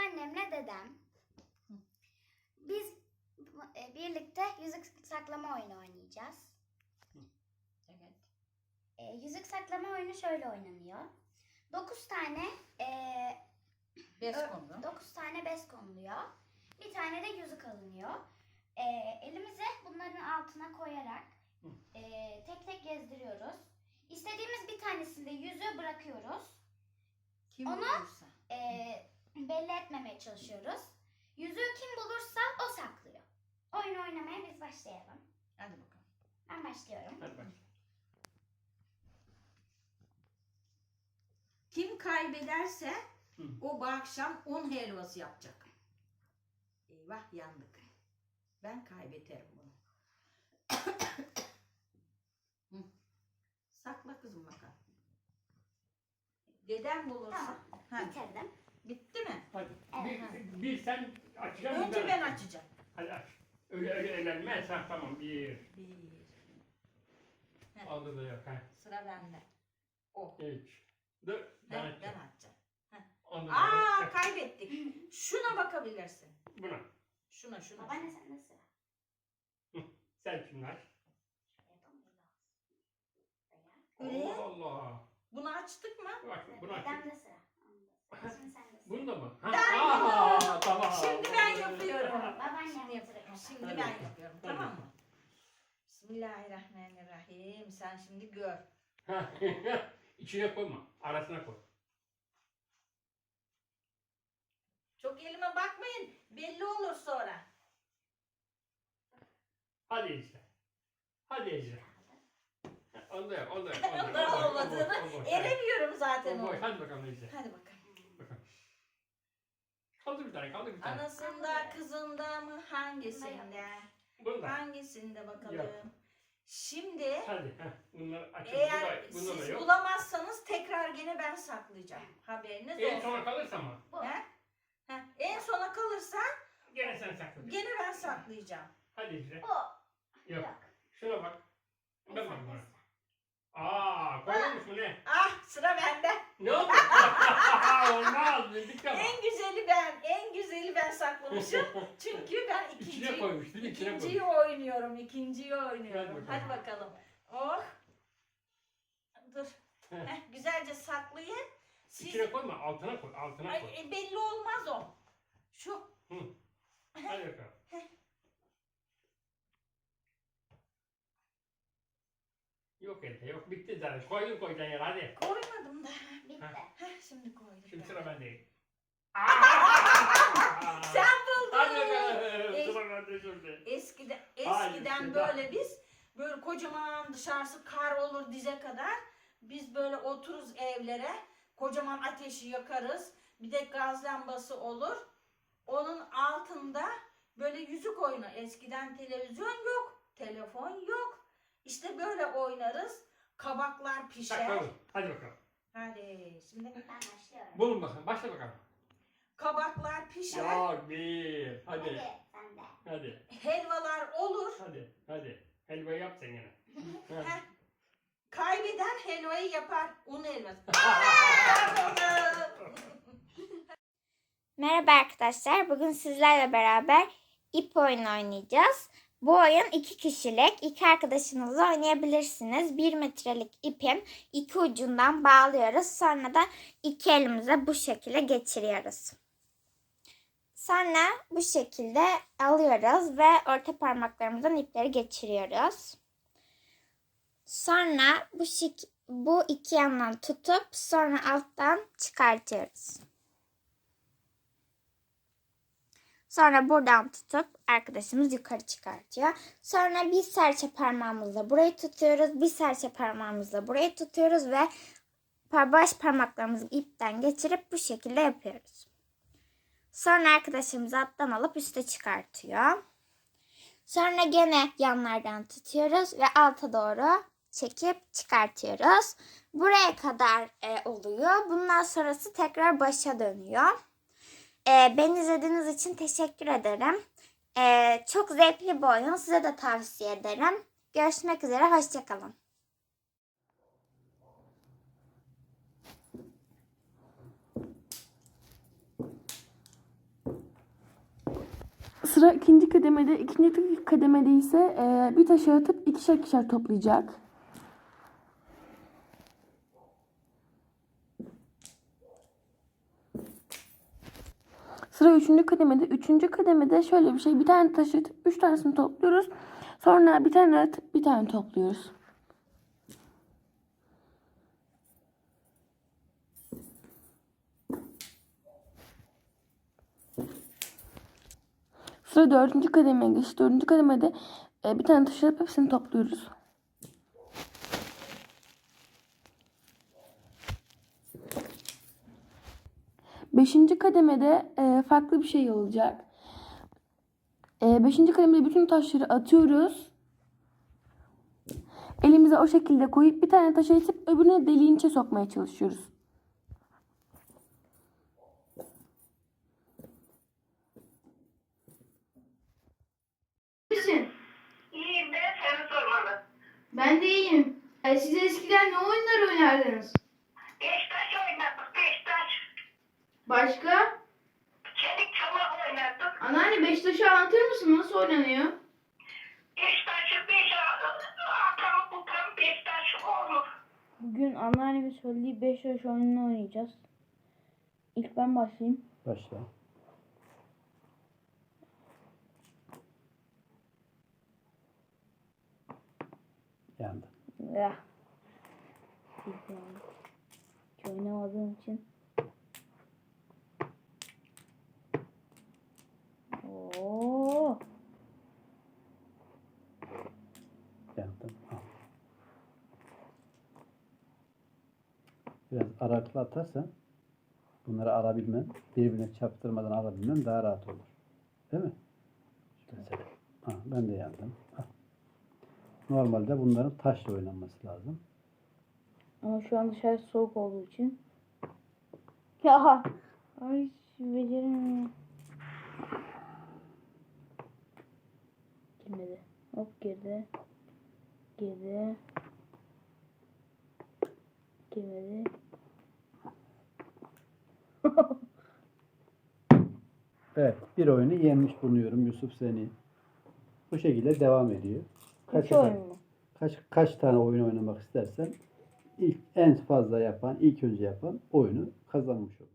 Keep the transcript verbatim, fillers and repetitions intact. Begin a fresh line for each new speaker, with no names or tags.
babaannemle dedem. Biz e, birlikte yüzük saklama oyunu oynayacağız.
Evet.
E, yüzük saklama oyunu şöyle oynanıyor. dokuz tane e,
Bez
Ö-
kondu.
dokuz tane bez konuluyor. Bir tane de yüzük alınıyor. Ee, elimizi bunların altına koyarak e, tek tek gezdiriyoruz. İstediğimiz bir tanesinde yüzüğü bırakıyoruz.
Kim
Onu-
bulursa.
E, belli etmemeye çalışıyoruz. Yüzüğü kim bulursa o saklıyor. Oyun oynamaya biz başlayalım.
Hadi bakalım.
Ben başlıyorum.
Hadi bak.
Kim kaybederse
Hı.
o bu akşam un helvası yapacak. Eyvah yandık. Ben kaybederim bunu. Hı. Sakla kızım bakalım. Dedem bulursa.
Tamam.
Ha,
Bitirdim.
bitti mi?
Hadi.
Evet.
Bir, bir sen açacaksın. bir
Önce ben açacağım.
Hadi aç. Öyle öyle eğlenme. Sen tamam. Bir.
Bir. Heh.
Aldı da yok. Ha.
Sıra bende. O.
Üç. Dur. Ben
Heh, ben
açacağım.
açacağım.
Aldı da
Aa
yok.
kaybettik. Şuna bakabilirsin.
Buna.
Şuna şuna.
Babaanne sende sıra.
Sen şimdi aç.
Öyle.
Allah Allah.
Bunu açtık mı?
Bak bunu aç.
Dedem de sıra. Onda sıra. Şimdi sen de sıra.
Bunu da mı? Ha.
Ben
Aa, tamam.
Şimdi ben yapıyorum.
Babaannem
Şimdi,
yapacak.
şimdi
Hadi.
ben yapıyorum.
Hadi.
Tamam mı? Bismillahirrahmanirrahim. Sen şimdi gör.
Ha. İçine koyma. Arasına koy.
Çok elime bakmayın. Belli olur sonra.
Hadi Ece. Hadi Ece. Onu da yap, onu da yap.
Onu da olmadığını Eremiyorum zaten
O boş.
onu.
Hadi bakalım Ece.
Hadi bakalım.
Bakalım. Kaldır bir tane, kaldır bir tane.
Anasında kızında mı hangisinde?
Bunu da.
Hangisinde bakalım.
Yap.
Şimdi
Hadi. Heh. Bunları açın.
eğer
Bunda, bunda da
siz
yok.
bulamazsanız tekrar gene ben saklayacağım. Haberiniz
En
olsun.
sona kalırsa mı?
Bu.
He? He. En sona kalırsa
Gene sen sakla.
gene ben saklayacağım.
Hadi Ece.
Bu.
Yok.
Yok.
Şuna bak. Ben
Sen
bak
de
bana.
sıra.
Aa, koymamış mı ne?
Ah sıra bende.
Ne oldu? Olmaz. Bildik ama.
En güzeli ben. En güzeli ben saklamışım. Çünkü ben
İçine
ikinciyi,
koymuş değil mi? İçine
ikinciyi
koymuş.
oynuyorum. İkinciyi oynuyorum.
Hadi
Hadi
bakalım.
bakalım. Oh. Dur.
Heh.
Heh, güzelce saklayın. Siz...
İçine koyma. Altına koy. Altına
Ay,
koy.
e, belli olmaz o. Şu.
Hı. Hadi bakalım. Yok elde yok. Bitti zaten. Koydun koyacaksın yer hadi.
Koymadım da.
Bitti.
Heh, şimdi koydum.
Şimdi
ben.
sıra bendeyim.
Sen buldun.
Hadi bakalım.
Ey-
Sıra bende şimdi.
Eskiden,
Hayır,
eskiden
işte
böyle biz böyle kocaman dışarısı kar olur dize kadar. Biz böyle otururuz evlere. Kocaman ateşi yakarız. Bir de gaz lambası olur. Onun altında böyle yüzük oyunu. Eskiden televizyon yok. Telefon yok. İşte böyle oynarız. Kabaklar pişer.
Bakalım. Hadi bakalım.
Hadi şimdi
Ben başlıyorum.
Bulun bakalım. Başla bakalım.
kabaklar pişer.
Yok bir. Hadi.
Hadi sen de.
Hadi.
Helvalar olur.
Hadi. Hadi. Helva yap sen gene. Ha.
Heh. Kaybeden helvayı yapar. Un helvası.
Merhaba arkadaşlar. Bugün sizlerle beraber ip oyunu oynayacağız. Bu oyun iki kişilik. İki arkadaşınızla oynayabilirsiniz. Bir metrelik ipin iki ucundan bağlıyoruz. Sonra da iki elimize bu şekilde geçiriyoruz. Sonra bu şekilde alıyoruz ve orta parmaklarımızdan ipleri geçiriyoruz. Sonra bu şek bu iki yandan tutup sonra alttan çıkartıyoruz. Sonra buradan tutup arkadaşımız yukarı çıkartıyor. Sonra bir serçe parmağımızla burayı tutuyoruz. Bir serçe parmağımızla burayı tutuyoruz ve baş parmaklarımızı ipten geçirip bu şekilde yapıyoruz. Sonra arkadaşımız alttan alıp üste çıkartıyor. Sonra gene yanlardan tutuyoruz ve alta doğru çekip çıkartıyoruz. Buraya kadar e, oluyor. Bundan sonrası tekrar başa dönüyor. E, beni izlediğiniz için teşekkür ederim. E, çok zevkli bir oyun. Size de tavsiye ederim. Görüşmek üzere. Hoşça kalın.
Sıra ikinci kademede. İkinci kademede ise e, bir taşı atıp ikişer ikişer toplayacak. Sıra üçüncü kademede. Üçüncü kademede şöyle bir şey. Bir tane taşı atıp üç tanesini topluyoruz. Sonra bir tane atıp bir tane topluyoruz. Sıra dördüncü kademeye geçti. Dördüncü kademede e, bir tane taşı atıp hepsini topluyoruz. Beşinci kademede e, farklı bir şey olacak. E, beşinci kademede bütün taşları atıyoruz. Elimize o şekilde koyup bir tane taşı atıp öbürüne deliğin içine sokmaya çalışıyoruz.
Misin?
İyiyim ben seni sormalı.
Ben de iyiyim. E, siz eskiden ne oyunlar oynardınız?
Beşiktaş oynardık, Beşiktaş.
Başka?
Çelik çomak oynardık.
Anneanne Beşiktaş'ı anlatır mısın? Nasıl oynanıyor?
Beşiktaş'ı beş atam tutan Beşiktaş olur.
Bugün anneannemin söylediği beş yaş oyununu oynayacağız. İlk ben başlayayım.
Başla. Yandı.
Ya. Hiç oynamadığım için. Oo.
Yandım. Al. Biraz araklı atarsan bunları alabilmen, birbirine çarptırmadan alabilmen daha rahat olur. Değil mi? Mesela. Ha, ben de yandım. Ha. Normalde bunların taşla oynanması lazım.
Ama şu an dışarı soğuk olduğu için. Ya. Ay beceremiyorum. Girmedi. Hop girdi. Girdi. Girmedi.
Evet, bir oyunu yenmiş bulunuyorum Yusuf seni. Bu şekilde devam ediyor. Kaç,
Üç oyun mu?
kaç, kaç tane oyun oynamak istersen ilk en fazla yapan, ilk önce yapan oyunu kazanmış olur.